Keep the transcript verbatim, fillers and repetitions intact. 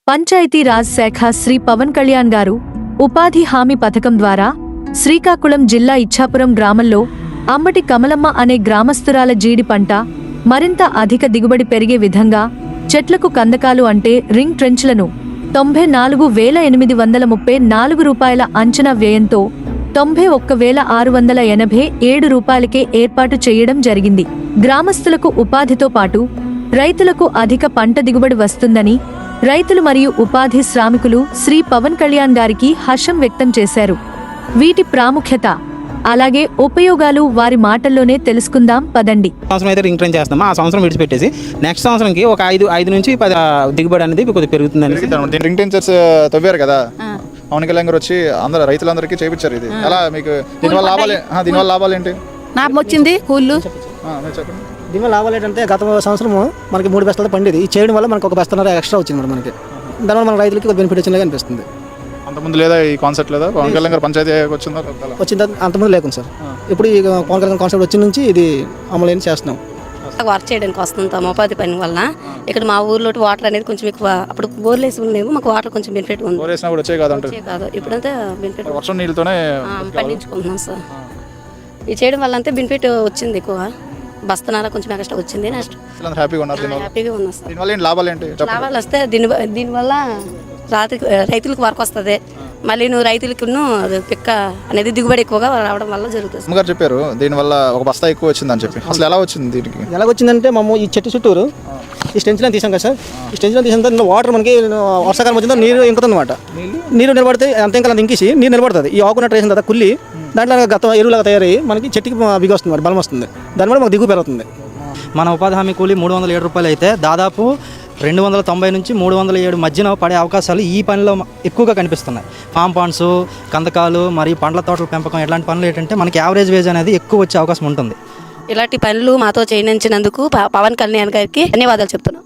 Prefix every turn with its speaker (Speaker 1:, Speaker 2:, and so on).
Speaker 1: పంచాయతీ రాజ్ శాఖ శ్రీ పవన్ కళ్యాణ్ గారు ఉపాధి హామీ పథకం ద్వారా శ్రీకాకుళం జిల్లా ఇచ్ఛాపురం గ్రామంలో అంబటి కమలమ్మ అనే గ్రామస్తురాల జీడి పంట మరింత అధిక దిగుబడి పెరిగే విధంగా చెట్లకు కందకాలు అంటే రింగ్ ట్రెంచ్లను తొంభై నాలుగు వేల ఎనిమిది వందల ముప్పై నాలుగు రూపాయల అంచనా వ్యయంతో తొంభై ఒక్క వేల ఆరు వందల ఎనభై ఏడు రూపాయలకే ఏర్పాటు చేయడం జరిగింది. గ్రామస్తులకు ఉపాధితో పాటు రైతులకు అధిక పంట దిగుబడి వస్తుందని రైతులు మరియు ఉపాధి శ్రామికులు శ్రీ పవన్ కళ్యాణ్ గారికి హర్షం వ్యక్తం చేశారు. వీటి ప్రాముఖ్యత అలాగే ఉపయోగాలు వారి మాటల్లోనే తెలుసుకుందాం పదండి.
Speaker 2: సంవత్సరం అయితే రింగ్ ట్రెంచ్ చేస్తాం, ఆ సంవత్సరం విడిచిపెట్టేసి నెక్స్ట్ సంవత్సరంకి ఒక ఐదు ఐదు నుంచి పది దిగుబడి అనేది కొద్దిగా పెరుగుతుందని
Speaker 3: రింగ్ ట్రెంచర్స్ తవ్వారు కదా, పవన్ కళ్యాణ్ గారు వచ్చి అందరూ రైతులందరికీ చేయించారు. ఇది ఎలా మీకు దీనివల్ల లాభాలు దీనివల్ల లాభాలు ఏంటి?
Speaker 4: లాభం వచ్చింది కూళ్ళు.
Speaker 3: చెప్పండి.
Speaker 5: దీనివల్ల లాభాలు ఏంటంటే గత సంవత్సరం మనకి మూడు బస్తాలు పండేది, ఈ చేయడం వల్ల మనకు ఒక బస్తన్నర ఎక్స్ట్రా వచ్చింది మరి మనకి. దానివల్ల మన రైతులకి ఒక బెనిఫిట్ వచ్చినగా అనిపిస్తుంది.
Speaker 3: అంతకుముందు లేదా ఈ కాన్సెప్ట్ లేదా పవన్ కళ్యాణ్ గారు పంచాయతీ వచ్చిందా?
Speaker 5: వచ్చింది అంతకుముందు లేకుండా సార్. ఇప్పుడు ఈ పవన్ కళ్యాణ్ కాన్సెప్ట్ వచ్చి నుంచి ఇది అమలు చేస్తున్నాం.
Speaker 4: వర్క్ చేయడానికి వస్తుంటాం ఉపాధి పని వల్ల. ఇక్కడ మా ఊర్లో వాటర్ అనేది కొంచెం ఎక్కువ, అప్పుడు బోర్లు వేసి ఉండేమో మాకు వాటర్ కొంచెం బెనిఫిట్ ఉంది.
Speaker 3: వచ్చే కాదు
Speaker 4: ఇప్పుడంతా బెనిఫిట్
Speaker 3: వర్షం నీళ్ళతోనే
Speaker 4: పండించుకుంటున్నాం సార్. ఇది చేయడం వల్ల అంతే బెనిఫిట్ వచ్చింది, ఎక్కువ బస్తనాల కొంచెం ఎక్స్ట్రా వచ్చింది. నెక్స్ట్
Speaker 3: హ్యాపీగా ఉన్నారు.
Speaker 4: హ్యాపీగా ఉన్నాం సార్.
Speaker 3: దీనివల్ల ఏంటి లాభాలు ఏంటి?
Speaker 4: లాభాలు వస్తే దీని దీనివల్ల రాత్రి రైతులకు వర్క్ వస్తుంది, మళ్ళీ నువ్వు రైతులకు పిక్క అనేది దిగుబడి ఎక్కువగా రావడం వల్ల జరుగుతుంది.
Speaker 3: అమ్మగారు చెప్పారు దీనివల్ల ఒక బస్తా ఎక్కువ వచ్చిందని చెప్పి. అసలు ఎలా వచ్చింది? దీనికి
Speaker 5: ఎలా వచ్చిందంటే మేము ఈ చెట్టు చుట్టూరు ఈ స్టెంచ్లో తీసాం కదా సార్. ఈ స్టెంచ్లో తీసిన తర్వాత వాటర్ మనకి వర్షాకాలం వచ్చిందో నీరు ఇంకుతుంది అనమాట. నీరు నిలబడితే అంత ఇంకా ఇంకేసి నీరు నిలబడుతుంది. ఈ ఆకునట్టు వేసిన తర్వాత కుల్లి దాంట్లో గత ఎరువులాగా తయారయ్యి మనకి చెట్టుకి బిగి వస్తుంది, మరి బలం వస్తుంది. దానివల్ల మాకు దిగుబడి పెరుగుతుంది.
Speaker 6: మన ఉపాధి హామీ కూలీ మూడు వందల ఏడు రూపాయలు అయితే దాదాపు రెండు వందల తొంభై నుంచి మూడు వందల ఏడు మధ్యన పడే అవకాశాలు ఈ పనిలో ఎక్కువగా కనిపిస్తున్నాయి. ఫామ్ పాండ్స్, కందకాలు మరియు పండ్ల తోటల పెంపకం ఇలాంటి పనులు ఏంటంటే మనకి యావరేజ్ వేజ్ అనేది ఎక్కువ వచ్చే అవకాశం ఉంటుంది.
Speaker 4: ఇలాంటి పనులు మాతో చేయించినందుకు పవన్ కళ్యాణ్ గారికి ధన్యవాదాలు చెప్తున్నాం.